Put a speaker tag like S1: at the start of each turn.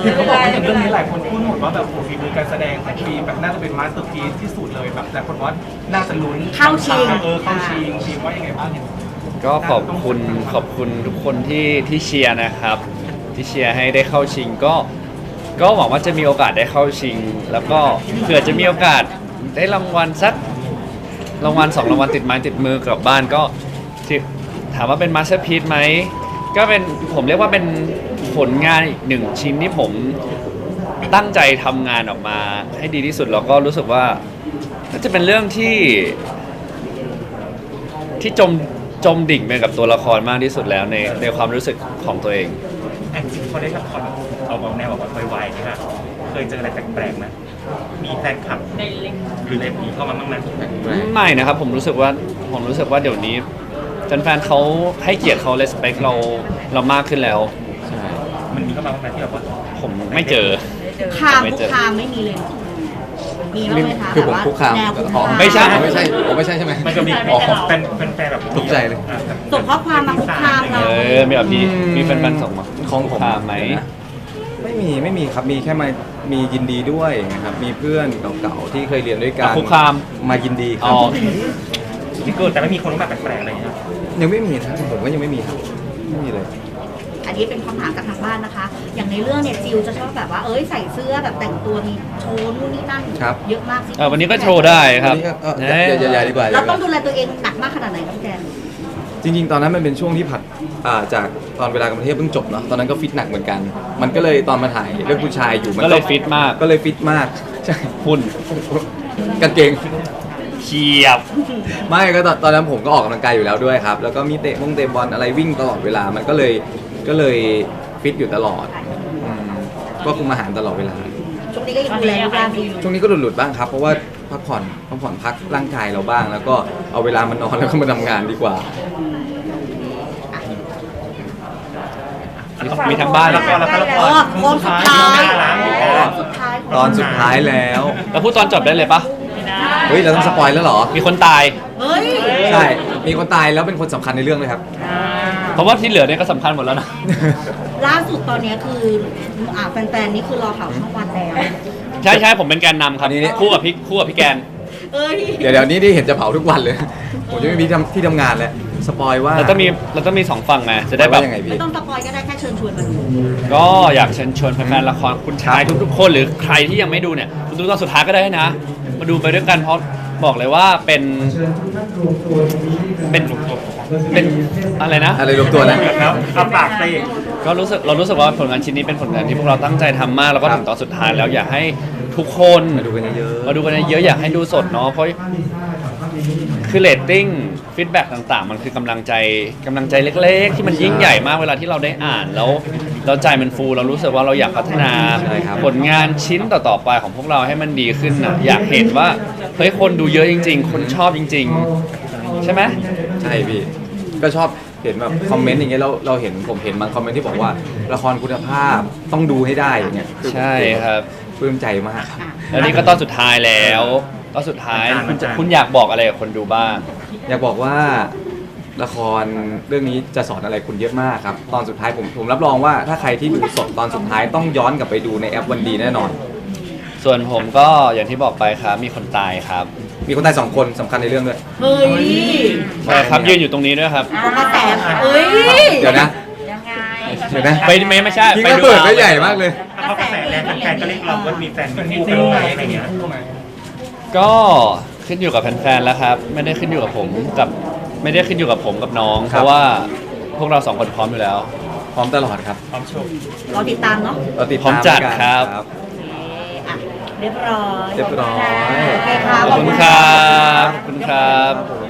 S1: เห็นเขาบอกว่าอย่างเรื่องนี้หลายคนพูดหมดว่าแบบโอ้ฝีมือการแสดงของฟีแบบน่าจะเป็นมาสเตอร์พีซที่สุดเลยแบบแต่คนว่าน่าจะลุ้นเข้าชิงฟีว่ายังไงบ้างเนี่ย
S2: ก็ขอบคุณทุกคนที่เชียร์นะครับที่เชียร์ให้ได้เข้าชิงก็หวังว่าจะมีโอกาสได้เข้าชิง แล้วก็เผื่อจะมีโอกาสได้รางวัลสักรางวัล2รางวัลติดไม้ติดมือกลับบ้านก็ถามว่าเป็นมาสเตอร์พีซไหมก็เป็นผมเรียกว่าเป็นผลงานอีกหนึ่งชิ้นที่ผมตั้งใจทำงานออกมาให้ดีที่สุดแล้วก็รู้สึกว่าน่าจะเป็นเรื่องที่จมดิ่งไปกับตัวละครมากที่สุดแล้วในความรู้สึกของตัวเอง
S1: แอนจริงพอได้ละครเอาแนวแบบไวๆนี่ค่ะเคยเจออะไรแปลกๆไหมมีแฟนคลับหรืออะไรผีเข้ามาบ้างไหม
S2: ไม่นะครับผมรู้สึกว่าเดี๋ยวนี้แฟนๆเขาให้เกียรติเขา respect เรามากขึ้นแล้ว
S1: ใช่มันมีเข้ามาบ้างไหมที่แบบว่า
S2: ผมไม่เจอ
S3: คุกคามไม่มีเลยมีบ้างไหมคะ
S4: คือผมคุกคาม
S2: ไม่ใช่
S4: ใช่ไหม
S1: มันก็มีเป็นแฟนแบบ
S4: ตกใจเลย
S3: ส่งข้อความมาคุกคามเรา
S2: มีแบบมีแฟนๆส่งมา
S4: ของผม
S2: ไหม
S4: ไม่มีครับมีแค่มียินดีด้วยนะครับมีเพื่อนเก่าๆที่เคยเรียนด้วยกัน
S2: คุกคาม
S4: มายินดีครับ
S1: ที่เกิดแต่ไม่มีคนแบบแปลกๆอะไรเงี้ย
S4: ยังไม่มีนะผมก็ยังไม่มีครับไม่มีเลย
S3: อันนี้เป็นคำถามจากทางบ้านนะคะอย่างในเรื่องเนี่ยจิวจะชอบแบบว่าใส่เสื้อแบบแต่งตัวมีโชว์นู่นนี่นั่นเยอะมากสิ
S2: วันนี้ก็โชว์ได้ครับ
S4: อย่าดีกว่า
S3: เราต้องดูแลตัวเองหนักมากขนาดไหนครับพี่แจน
S4: จริงๆตอนนั้นมันเป็นช่วงที่ผัดจากตอนเวลากรุงเทพเพิ่งจบเนาะตอนนั้นก็ฟิตหนักเหมือนกันมันก็เลยตอนมาถ่ายเรื่องผู้ชายอยู่มัน
S2: ก็เลยฟิตม
S4: ากใช่
S2: หุ่น
S4: กางเกง
S2: เฉียบ
S4: ไม่ก็ตอนนั้นผมก็ออกกำลังกายอยู่แล้วด้วยครับแล้วก็มีเตะบอลอะไรวิ่งตลอดเวลามันก็เลยฟิตอยู่ตลอดก็คุมอาหารตลอดเวลา
S3: ช่วงนี้ก็ยังดูแลรูปร่างดีอยู่
S4: ช่วงนี้ก็หลุดบ้างครับเพราะว่าพักผ่อนพักร่างกายเราบ้างแล้วก็เอาเวลามานอนแล้วก็มาทำงานดีกว่า
S2: มีทั้งบ้านแล้วก็
S3: ตอนสุดท้าย
S4: ตอนสุดท้ายแล้ว
S2: พูดตอนจบได้เลยปะ
S4: เฮ้ยเราต้องสปอยแล้วเหรอ
S2: มีคนตาย
S4: ใช่มีคนตายแล้วเป็นคนสำคัญในเรื่องเลยครับ
S2: เพราะว่าที่เหลือเนี่ยก็สำคัญหมดแล้วนะ
S3: ล่าสุดตอนนี้คือแฟนๆนี่คือรอข่าวช่องวันแล้ว
S2: ใช่ผมเป็นแกนนำครับคู่กับพี่แกน
S4: เดี๋ยวนี้ที่เห็นจะเผาทุกวันเลยผมจะไม่มีที่ทำงานแล้วสปอยว่า
S2: เราต้องมี2ฝั่งไงจะได้แบบ
S3: ไม่ต้องสปอยก็ได้แค่เชิญชวนมาดู
S2: ก็อยากเชิญชวนแฟนๆละครคุณชายทุกคนหรือใครที่ยังไม่ดูเนี่ยดูตอนสุดท้ายก็ได้นะมาดูไปด้วยกันเพราะบอกเลยว่าเป็นอะไรนะ
S4: อะไรรวมตัว
S1: นะครับเอาปากไป
S2: ก็เรารู้สึกว่าผลงานชิ้นนี้เป็นผลงานที่พวกเราตั้งใจทำมากแล้วก็ถึงตอนสุดท้ายแล้วอยากให้ทุกคน
S4: มาดูกันเย
S2: อะอยากให้ดูสดเนาะเพราะคือเรตติ้งฟีดแบ็กต่างๆมันคือกำลังใจเล็กๆที่มันยิ่งใหญ่มากเวลาที่เราได้อ่านแล้วเราใจมันฟูเรารู้สึกว่าเราอยากพัฒนาผลงานชิ้นต่อๆไปของพวกเราให้มันดีขึ้นนะอยากเห็นว่าเฮ้ยคนดูเยอะจริงๆคนชอบจริงๆใช่ไหม
S4: ใช่พี่ก็ชอบเห็นแบบคอมเมนต์อย่างเงี้ยเราเห็นผมเห็นบางคอมเมนต์ที่บอกว่าละครคุณภาพต้องดูให้ได้อย่างเงี้ย
S2: ใช่ครับ
S4: ปลื้มใจมาก
S2: แล้วนี่ก็ตอนสุดท้ายแล้วตอนสุดท้ายคุณอยากบอกอะไรกับคนดูบ้าง
S4: อยากบอกว่าละครเรื่องนี้จะสอนอะไรคุณเยอะมากครับตอนสุดท้ายผมรับรองว่าถ้าใครที่ดูสดตอนสุดท้ายต้องย้อนกลับไปดูในแอปวันดีแน่นอน
S2: ส่วนผมก็อย่างที่บอกไปครับมีคนตายครับ
S4: มีคนตาย2คนสำคัญในเรื่องด้วย
S3: เฮ้ย
S2: ใช่ครับยืนอยู่ตรงนี้ด้วยครับ
S3: แต่
S4: เดี๋ยวนะ
S2: ไม่ใช่
S4: ไปดูเปิดไม่ใหญ่มากเลย
S1: เขากระแสแรงแฟนก็เรียกร้องว่ามีแฟนมีคู่กันอะไรเงี้ย
S2: ก็ขึ้นอยู่กับแฟนๆแล้วครับไม่ได้ขึ้นอยู่กับผมกับน้องเพราะว่าพวกเรา2คนพร้อมอยู่แล้ว
S4: พร้อมตลอดครับ
S1: พร้อมโชว์
S3: รอติดตามเนาะ
S2: พร้อมจัดครับ
S3: เรียบร้อย
S4: โอเค
S2: ครับขอบคุณครับ